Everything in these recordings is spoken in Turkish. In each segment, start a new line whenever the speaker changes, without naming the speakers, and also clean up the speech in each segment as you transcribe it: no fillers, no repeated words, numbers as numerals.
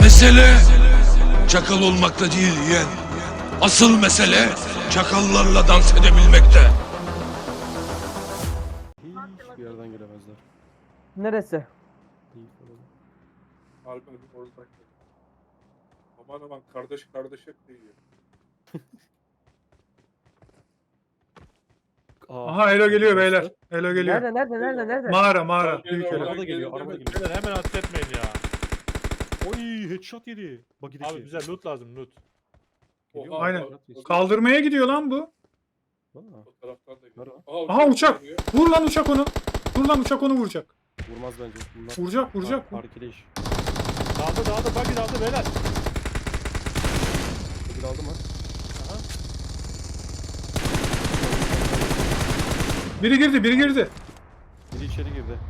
Mesele çakal olmakta değil yeğen. Asıl mesele çakallarla dans edebilmekte.
Hiçbir yerden gelemezler.
Neresi?
İyi falan.
Albüm oradan geliyor. Aman aman kardeş kardeşe kıyıyor.
Aha Elo geliyor beyler. Elo geliyor.
Nerede?
Mağara.
Geliyor,
Büyük Elo.
Araba da geliyor,
Geliyor,
araba
geliyor.
geliyor.
Beyler hemen ateş etmeyin ya.
Oy headshot yedi. Buggy'deki.
Abi bize loot lazım loot.
Oha,
Aynen.
o-
Kaldırmaya gidiyor lan bu.
Aa,
O taraftan da geliyor.
Merhaba.
Aha uçak.
geliyor.
Vur lan uçak onu. Vur lan uçak onu vuracak.
vurmaz bence. Bunlar
Vuracak.
Parkede iş.
Dağıldı buggy dağıldı beyler.
Buggy aldı mı?
Biri girdi.
Biri içeri girdi.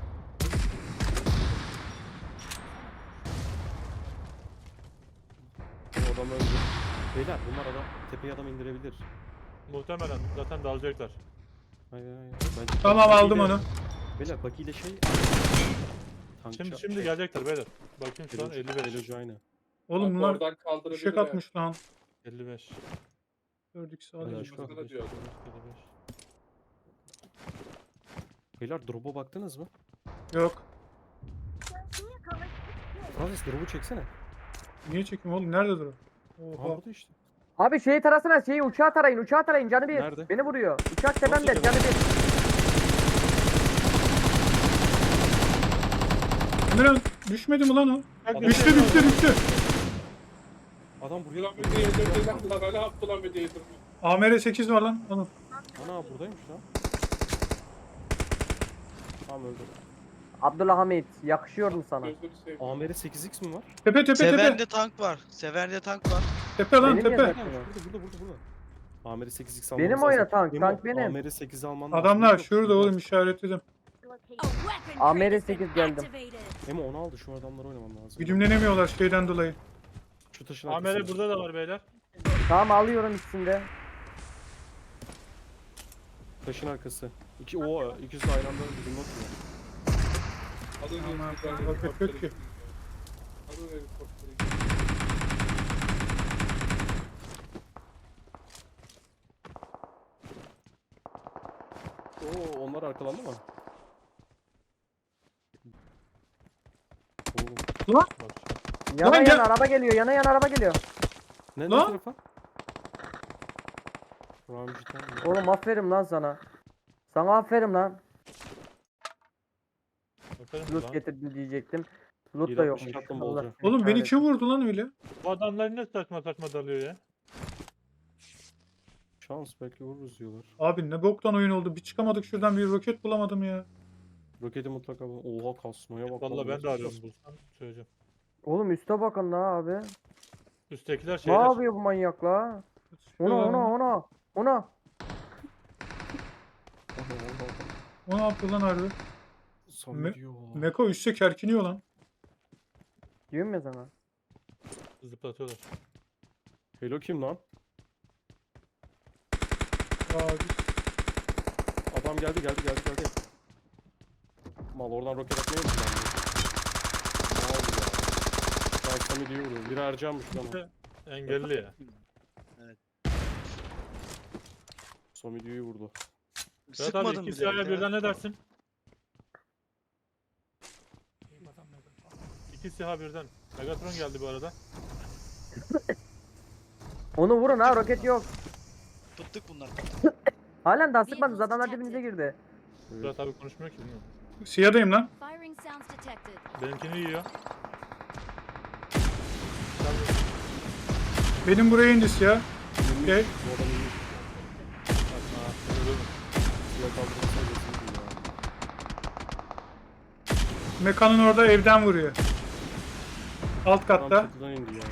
O adam öldü. Beyler bunlar adam tepeye adam indirebilir.
Muhtemelen zaten dalacaklar.
Hayır. Bence
Tamam
buggy
aldım
ile-
onu.
Beyler buggy ile şey.
Şimdi gelecekler beyler. Bakayım şu an 55.
Elocu aynı.
Oğlum
Bak,
bunlar
oradan kaldırabilir
fişek
ha.
atmış lan.
55.
4x
Helal
alayım.
şu an.
Sana diyor.
55.
Beyler drop'a baktınız mı?
Yok.
Francis drop'u çeksene.
Niye çekeyim oğlum? Nerede dur?
Aha
Oha.
burada işte.
Abi şeyi tarasana uçağı tarayın canı bir.
Nerede?
Beni vuruyor. Uçak tepemde
Nasıl
canı bir.
Emirhan düşmedi mi lan o?
Bak,
Düştü.
Adam buraya
Ulan bir de yedirdi lan. Ulan ne yaptı lan bir de yedirdi.
AMR 8 var lan. Alın.
Ana buradaymış lan. Tamam öldü.
Abdullah Hamit yakışıyordum sana.
Gözünü seveyim.
AMR 8x mi var?
Tepe.
Sever'de tank var. Sever'de tank var.
Tepe lan
Benim
tepe.
yanımda.
Burada. AMR 8x almamız
Benim
lazım.
oyna tank.
Memo,
Tank benim.
AMR 8 alman lazım.
Adamlar
Yok,
şurada
yok.
oğlum işaretledim.
AMR 8 geldim.
Memo onu aldı şu adamlar oynaman lazım.
Güdümlenemiyorlar şeyden dolayı.
Şu taşın
AMR
arkasına.
burada da var beyler.
Tamam alıyorum ikisinde.
Taşın arkası. İkisi de aynı anda bizim atıyor.
Alın
Aman,
helikopteri.
roket yok ki.
Alın helikopteri.
Onlar arkalandı mı? Oğlum.
Bak.
Lan gel.
Araba geliyor.
Ne
Lan?
tarafa? Ramji'den mi?
Oğlum aferin lan sana. Sana aferin lan.
Bakalım
Loot
lan.
getirdi diyecektim. Loot da
160
yokmuş.
katlım
Allah
olacak.
seni
Oğlum beni
kahretsin.
kim vurdu lan öyle?
Bu adamlar ne saçma dalıyor ya.
Şans belki vururuz diyorlar.
Abi ne boktan oyun oldu. Bir çıkamadık şuradan bir roket bulamadım ya.
Roketi mutlaka bul. Oha kasmaya bak.
Vallahi ben de arıyorum bulsam söyleyeceğim.
Oğlum üste bakın la abi.
Üsttekiler
Ne
şeyler.
yapıyor bu manyak la? Ona.
O ne yaptı lan harbi?
Sami diyor.
Meko üstte kerkiniyor lan.
Diyorum ya sana.
Zıplatıyorlar.
Hello kim lan?
Abi.
Adam geldi. Mal oradan roket atmaya mı planlıyor? Ne oldu ya? Şu an Sami diyor vuruyor. Biri Ercan'mış lan o.
Engelli ya.
Sami diyor'yu vurdu.
Berat abi
Sıkmadım
iki
bile.
silahla birden ne dersin? İki silah birden. Megatron geldi bu arada.
Onu vurun ha roket yok.
Tuttuk bunlar.
Halen daha sıkmadınız adamlar dibinize girdi.
Berat abi konuşmuyor ki bilmiyorum.
Siyadayım lan.
Firing sounds detected.
Benimkini yiyor.
Benim buraya indi siyah. Okey.
Bu adam iyi. Suya kaldırırsa geçsin ya.
Mekanın orada evden vuruyor. Alt
Adam
katta.
çatıdan indi ya.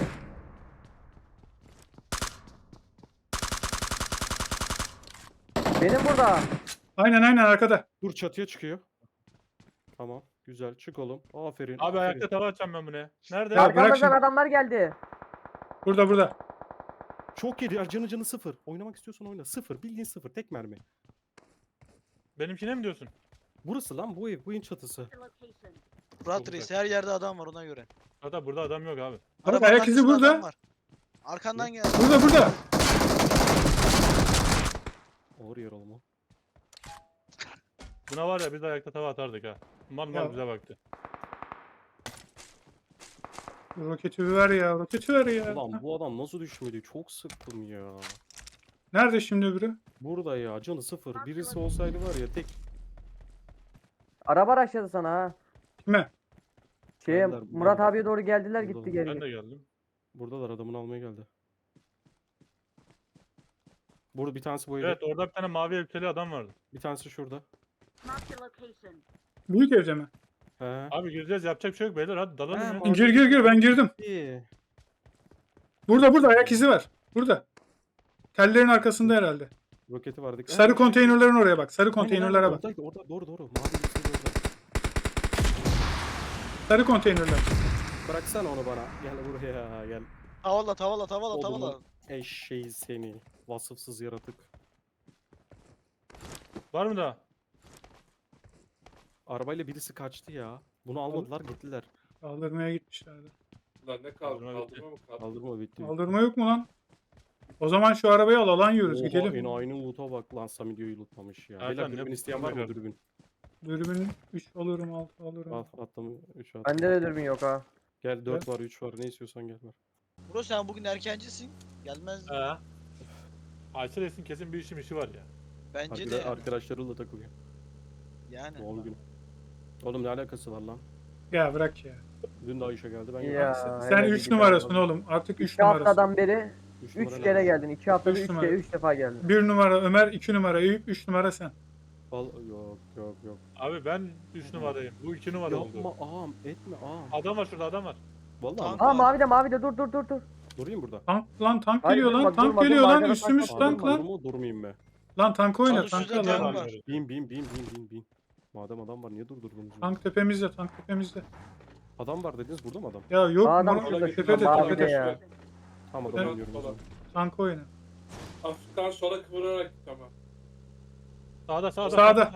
Benim burada.
Aynen arkada.
Dur çatıya çıkıyor. Tamam. Güzel. Çık oğlum. Aferin.
Abi
aferin.
ayakta tava atacağım ben bunu. Nerede?
Ya bırak
Arkamızdan
şimdi.
adamlar geldi.
Burada.
Çok yedi. Canı sıfır. Oynamak istiyorsan oyna. Sıfır. Bildiğin sıfır. Tek mermi.
Benimkine mi diyorsun?
Burası lan bu ev. Bu evin çatısı.
Fırat Reis her yerde adam var ona göre.
Hatta burada adam yok abi.
Bak,
Arabanın
ayak izi
arkasında
burada.
adam var. Arkandan gel.
Burada.
Ağır yer oğlum o.
Buna var ya biz de ayakta tava atardık ha. Mal
Ya.
bize baktı.
Roketi ver ya. Roketi ver ya.
Ulan bu adam nasıl düşmedi? Çok sıktım ya.
Nerede şimdi öbürü?
Burada ya canı sıfır. Birisi olsaydı var ya tek.
Araba araçladı sana ha.
Kime?
Geldiler,
Murat
burada.
abiye doğru geldiler
Burada.
gitti geri.
Ben de geldim.
Buradalar, adamını almaya geldi. Burada bir tanesi bu evde.
Evet orada bir tane mavi elbiseli adam vardı.
Bir tanesi şurada.
Marked a location.
Büyük evde mi?
He.
Abi gireceğiz yapacak bir şey yok beyler hadi dalalım
He,
ya.
mavi-
Gir ben girdim.
İyi.
Burada ayak izi var. Burada. Tellerin arkasında herhalde.
Roketi vardı.
Sarı konteynerlerin oraya bak. Sarı
Aynen,
konteynerlere
aynen,
bak.
oradaydı, orada doğru. Mavi elbiseli orada.
Sarı konteynerler.
Bıraksana onu bana. Gel buraya gel.
Tavala.
Oğlum, eşeği seni. Vasıfsız yaratık.
Var mı daha?
Arabayla birisi kaçtı ya. Bunu almadılar gittiler.
Kaldırmaya gitmişlerdi.
Lan ne kaldı?
Kaldırma bitti.
Kaldırma mı kaldı?
Kaldırma bitti.
Kaldırma yok mu lan? O zaman şu arabayı al, alan yiyoruz. Gidelim.
Enayinin loot'a bak lan, Samidio'yu lootlamış ya.
Erkan,
Beyler
ne
dürbün isteyen var mı
yapıyorsun?
dürbün?
Dürbün 3 alırım, 6 alırım.
Al attım 3 attım.
Bende de dürbün yok ha.
Gel 4 var 3 var, ne istiyorsan gel var.
Bro sen bugün erkencisin. Gelmez.
He. Ayşe Reis'in kesin bir işi var ya.
Bence de yani.
Arkadaşlarıyla takılıyor.
Yani.
Doğum günü. Oğlum ne alakası var lan?
Ya bırak ya.
Dün de Ayşe geldi ben
Ya.
geldim.
Sen
hele
3
bir
numarasın
daha.
oğlum. Artık 3
2
numarasın.
haftadan beri
Üç
3
numara
kere
ne?
geldin. 2 haftada
Üç
3
numara.
kere 3 defa geldin.
1 numara Ömer, 2 numara Eyüp, 3 numara sen.
Yok.
Abi ben 3 numarayım. Bu 2 numara
Yapma
oldu.
ağam, etme ağam.
Adam var şurada adam var.
Vallahi
Tank-
mi?
Aa mavi de dur.
Durayım burada.
Tank
Hayır,
geliyor lan.
durma,
Tank
durma,
geliyor
durma,
lan.
arkada
Üstümüz
tank
tank lan.
Durma, durmayayım be.
Lan tank oyna.
Tank
Tank
üstünde
al
tank
lan.
var.
Bin. Madem adam var niye durdurdunuz?
Tank tepemizde. Tank tepemizde.
Adam var dediniz, burada mı adam?
Ya yok.
Adam
Adam
şurada,
tepede
şurada, mavi de
tepede.
ya.
Tamam
Evet.
adam oynuyorum o zaman.
Tank oyna.
Hafiften sola kıvırarak git ama.
Sağda.
Sağda.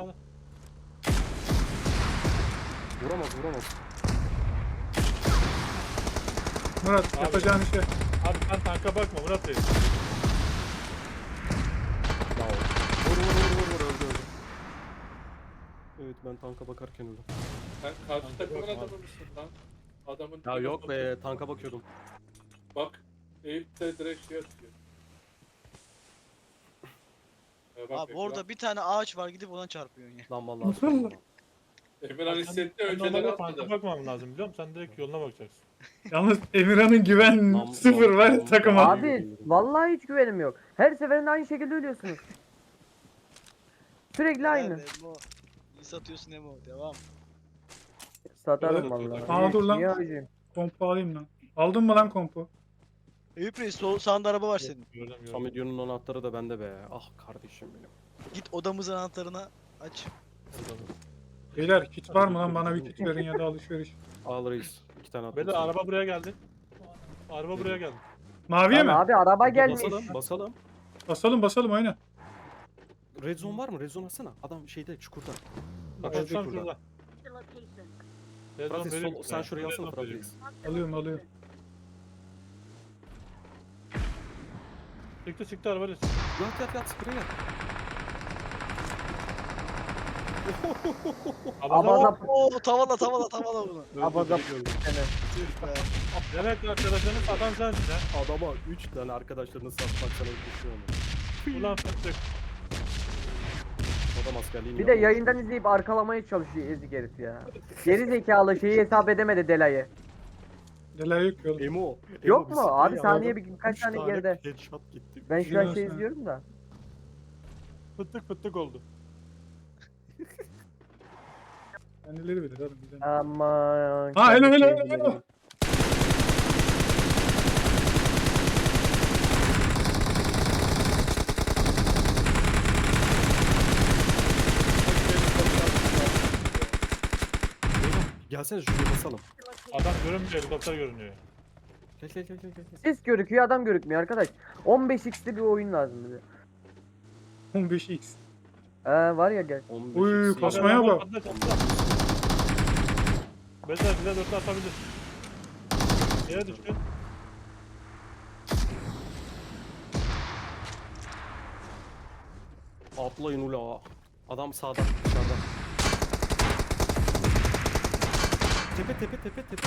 Vuramaz.
Murat
Abi.
yapacağın işe.
Abi sen tanka bakma Murat Reis.
Ya vur öldü. Evet ben tanka bakarken öldüm.
Sen karşı takımın
yok abi.
adamı mısın lan? Adamın
Ya yok be, tanka bakıyordum.
Bak. Eyüp de direkt şey atıyor. Bak,
Abi orada bir tane ağaç var gidip ona çarpıyorsun ya.
Lan vallahi.
Nasıl?
sıkıldım.
Emirhan hissetti
Ben
önceleri
normalde tanka
atladı.
bakmam lazım biliyor musun? Sen direkt yoluna bakacaksın.
Yalnız Emirhan'ın güven
Nam-
sıfır
nam-
var
nam-
takıma.
nam-
Abi vallahi hiç güvenim yok. Her seferinde aynı şekilde ölüyorsunuz. Sürekli aynı.
Emo. İyi satıyorsun Emo. Devam.
Satarım
Evet,
vallahi.
Aa, dur lan.
Niye acıyım?
Kompu alayım lan. Aldın mı lan kompu?
Eyüp Reis sağında araba var senin.
Gördüm.
Samidio'nun anahtarı da bende be. Ah kardeşim benim.
Git odamızın anahtarına aç.
Beyler kit var mı lan? Bana bir kit verin ya da alışveriş.
Al reis. 2 tane attım.
Beyler
sana.
araba buraya geldi. Araba buraya geldi.
Maviye
Lan
mi?
abi araba gelmiş.
Basalım.
Basalım oyna.
Red zone var mı? Red zone atsana. Adam şeyde çukurda.
Bak
Evet,
tam
şurada.
şurada.
The location.
Fırat
Vereyim.
sol, sen şuraya alsana
Vereyim.
Fırat reis.
Alıyorum.
Çıktı araba reis.
Yat sprey yat.
Abaza
Oo tavala bunu.
Abaza
Öldü, öldü.
Tüh be.
Demek arkadaşlarını satan sensin ha.
Adama 3 tane arkadaşlarını satmak sana düşüyor mu?
Ulan fıstık.
Adam askerliğini
bir de
yapmamış.
yayından izleyip arkalamaya çalışıyor ezik herif ya. Geri zekalı şeyi hesap edemedi Delay'ı.
Delay yok yolum.
Emo.
Yok
bir
mu?
sprey
Abi
aldı.
saniye birkaç
Üç
tane geride.
Headshot gitti.
Ben şu an
Biliyorum
şey
sen.
izliyorum da.
Fıstık oldu.
Kendileri bilir oğlum. Güzel.
Aman.
Ha helal
kendi
helal
şeyi
helal.
bilir.
Gelsene şuraya basalım.
Adam görünmüyor, helikopter görünüyor.
Gel.
Sis görüküyor adam görükmüyor arkadaş. 15x'li bir oyun lazım bize.
15x.
Var ya gel.
15
Uy,
eksi.
kasmaya bak.
Beyler bize dörtlü atabilir. Yere düştü.
Atlayın ula. Adam sağda dışarıda. Tepe.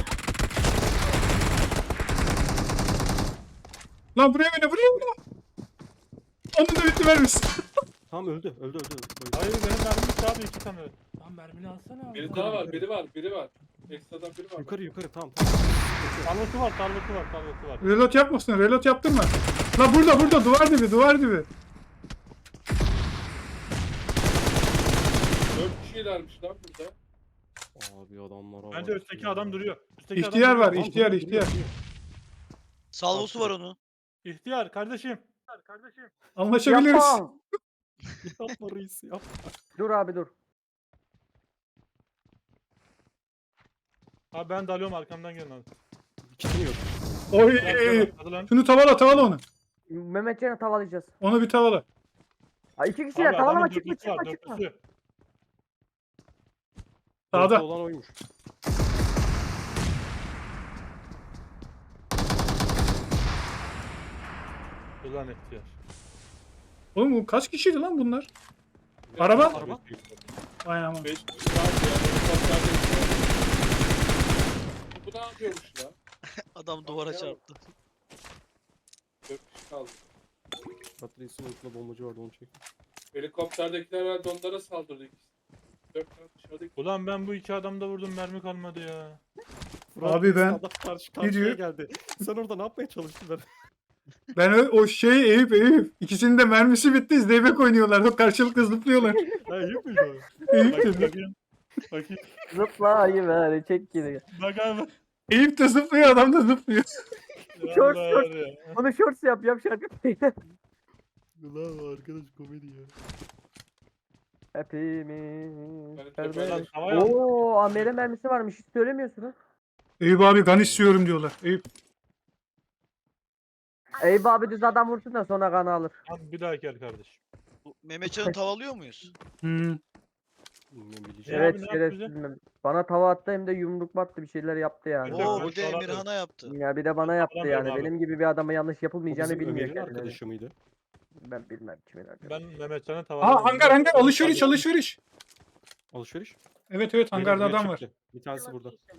Lan buraya oyna. Onun da bitti vermişsin.
Tamam öldü. Öldü.
Hayır benim mermim bitti abi 2 tane. Lan mermini alsana abi.
Biri daha var, biri var. Ekstradan biri var.
Yukarı tamam.
Tarlası var.
Reload yapmasın. Reload yaptırma. Lan burada. Duvar dibi.
4 kişilermiş lan burada.
Abi adamlara
Bence
bak
üstteki
ya.
adam duruyor. Üstteki
İhtiyar
adam
var.
duruyor.
İhtiyar.
Salvosu var onun.
İhtiyar kardeşim.
Anlaşabiliriz.
Yapma.
Yapma reis yap.
Dur abi dur.
Abi ben dalıyorum arkamdan gelin abi.
Kitim yok.
Oy.
Hadi lan.
Şunu tavala onu.
Mehmetcan'ı tavalayacağız.
Onu bir tavala.
Ay 2 kişiler
Abi
tavalama
adamın dörtlüsü var,
çıkma.
dörtlüsü.
Sağda.
Dörtlü olan oymuş.
Ulan ihtiyar.
Oğlum bu kaç kişiydi lan bunlar? Araba?
Araba.
Vay aman.
5 kişi daha diğer helikopterde Bu ne yapıyormuş la?
Adam duvara çarptı.
4 kişi kaldı.
Patrice'in ultila bombacı vardı onu çek.
Helikopterdekiler herhalde onlara saldırdı ikisi. 4 tane dışarıdaki.
Ulan ben bu 2 adamda vurdum mermi kalmadı ya.
Abi ben
Adam karşıya
diyor?
geldi. Sen orada ne yapmaya çalıştın ben?
o şey Eyüp. İkisinin de mermisi bitti. Zeybek oynuyorlar. O karşılıklı zıplıyorlar.
Ha iyi miydi
Eyüp de,
Bakayım. Bakayım.
Zıpla ayı ver çek geri.
Bak abi.
Eyüp de zıplıyor. Adam da zıplıyor.
Short,
Allah
short.
var ya.
Onu shorts yap şarkı.
Ulan arkadaş komedi ya.
Hepimiz.
Ben
kardeş.
Lan havaya al.
Oo, amele mermisi varmış. Hiç söylemiyorsun ha.
Eyüp abi gan istiyorum diyorlar. Eyüp.
Eyüp abi düz adam vursun da sonra kanı alır.
Lan bir daha gel kardeşim.
Bu Mehmetcan'ı tavalıyor muyuz?
Hmm.
Ne bileceğim.
Ya
Evet
abi ne
şerefsiz.
yapacağız?
Bana tava attı hem de yumruk battı bir şeyler yaptı yani.
Yok,
Oo
ben
bir de
şu an
Emirhan'a yaptı.
Ya bir de bana yaptı
Hatırlamıyorum
yani.
abi.
Benim gibi bir adama yanlış
O
yapılmayacağını
bizim
bilmiyor
Ömer'in
kendine.
arkadaşı mıydı?
Ben bilmem kimin arkadaşı.
Ben Mehmetcan'a
Aa
tavalarım.
hangar alışveriş.
Alışveriş.
Evet hangarda
Biri
adam var.
çıktı. Bir tanesi burada.
Location.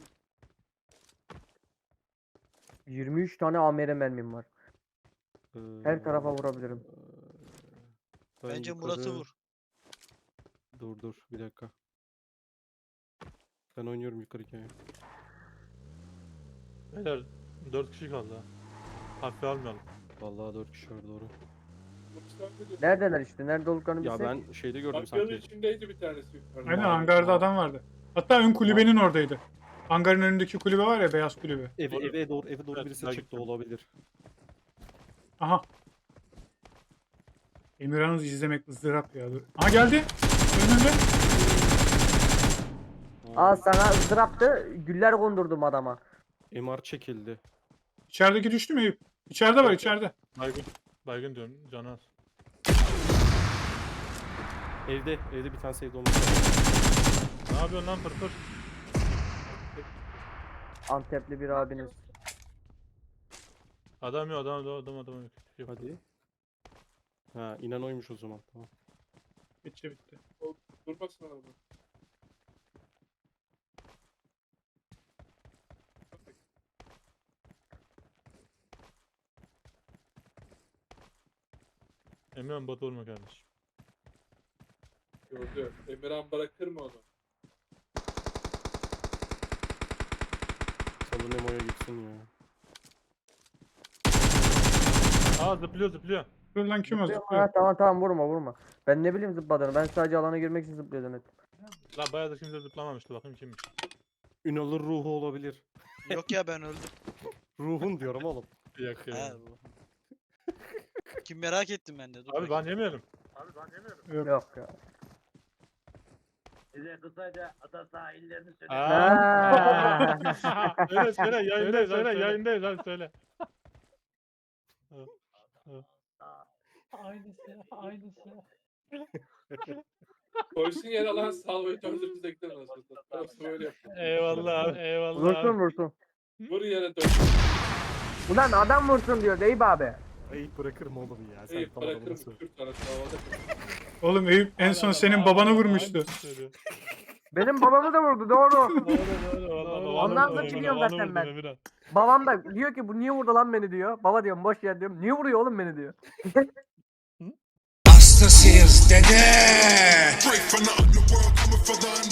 23 tane amele mermim var. Her tarafa vurabilirim.
Ben
Bence
yukarı-
Murat'ı vur.
Dur bir dakika. Ben oynuyorum yukarı hikaye.
Beyler 4 kişi kaldı ha. Hafife almayalım.
Vallahi 4 kişi var doğru.
Neredeler işte? Nerede olduklarını
Ya
bilsek.
ben şeyde gördüm
Kamyonun
sanki.
içindeydi bir tanesi yukarıda.
Aynen hangarda adam vardı. Hatta ön kulübenin oradaydı. Hangarın önündeki kulübe var ya beyaz kulübe.
Eve doğru
Evet,
birisi
ben
çıktı
gittim.
olabilir.
Aha. Emirhan'ı izlemek ızdırap ya. Dur. Aha geldi. Önünde.
Aa sana ızdıraptı. Güller kondurdum adama.
MR çekildi.
İçerideki düştü mü Eyüp? İçeride var içeride.
Baygın. Baygın diyorum. Canı az.
Evde bir tanesi evde olmuş.
Ne yapıyorsun lan pırpır?
Antepli bir abiniz.
Adam yok adam yok. Yok.
Hadi. Ha inen oymuş o zaman. Tamam.
Bitti.
Durmasın araba.
Emirhan bot olma kardeşim.
Gördü. Emirhan bırakır mı onu?
Salın Emo'ya gitsin ya.
Aa zıplıyor.
Dur lan kim o
Ha,
zıplıyor?
tamam vurma. Ben ne bileyim zıpladığını. Ben sadece alana girmek için zıplıyordum hep.
Lan bayağı da kimse zıplamamıştı bakayım kimmiş.
Ünal'ın ruhu olabilir.
Yok ya ben öldüm.
Ruhun diyorum oğlum.
Yak ya.
He bu. Kim merak ettim ben de. Dur
Abi
bakayım.
ben yemeyelim.
Yok ya.
Size kısaca ada sahillerini söyle.
Aa.
Ha.
söyle yayındayız hadi söyle.
Aynısı.
Koysun yere lan salmayı döndürdüğünüzde gider nasıl? Orası böyle yapıyor.
Eyvallah abi. Eyvallah
Vursun
abi.
vursun.
Vur yere dön.
Ulan adam vursun diyor Eyüp abi.
Ayıp bırakırım oğlum ya. Sen
Eyüp
tam adamı
bırakırım
söyle.
Kürt arası havada.
Oğlum Eyüp en son
Hala
senin
adam-
babanı
hala
vurmuştu.
aynısını söylüyor.
Benim babamı da vurdu doğru.
Doğru doğru. Vallahi
Ondan
babanı
da
vurdu,
çıkıyorum
babanı
zaten
vurdu
ben.
Emirhan.
Babam da diyor ki bu niye vurdu lan beni diyor. Baba diyorum boş yer diyorum. Niye vuruyor oğlum beni diyor.
Hastasıyız dede.
Straight from the underworld, coming for the